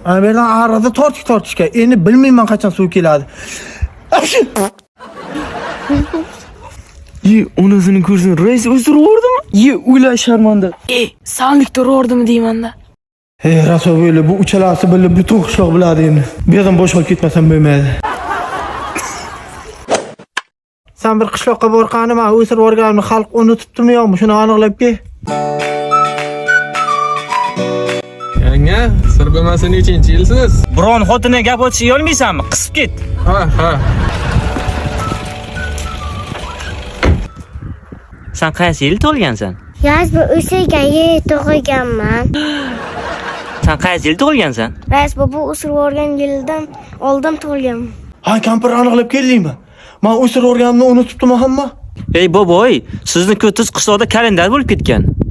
Avvaldan arada tortishga. Endi bilmayman qachon suv keladi. Onasini ko'rsin, rais o'stiruvordimi? O'yla sharmanda. Sanlikda urordimi deymanda. Hey, raso böyle bu uchalasi bilib butun qishloq biladi endi. Bu yerdan boshqa ketmasam bo'lmaydi. Sen bir qishloqqa borganimda o'sirib o'rganimni xalq unutibdimi yo'qmi? Shuni aniqlab kel. Yanga, sir bilmasa nechinchi yilsiz? Biron xotinga gap o'tishiga olmaysanmi? Qisib ket. Ha. Sen qaysi yil tug'ilgansan? Yoz bu o'sirgan yer tug'ilganman. Sen qaysi yil tug'ilgansan? Rais bobo o'sirib o'rgan yildan oldin tug'ilganman. Ha, kampir aniqlab keldingmi? Men o'sirib o'rganimni unutibdimi hamma? Ey boboy, sizni ko'tiz qishloqda kalendar bo'lib ketgan.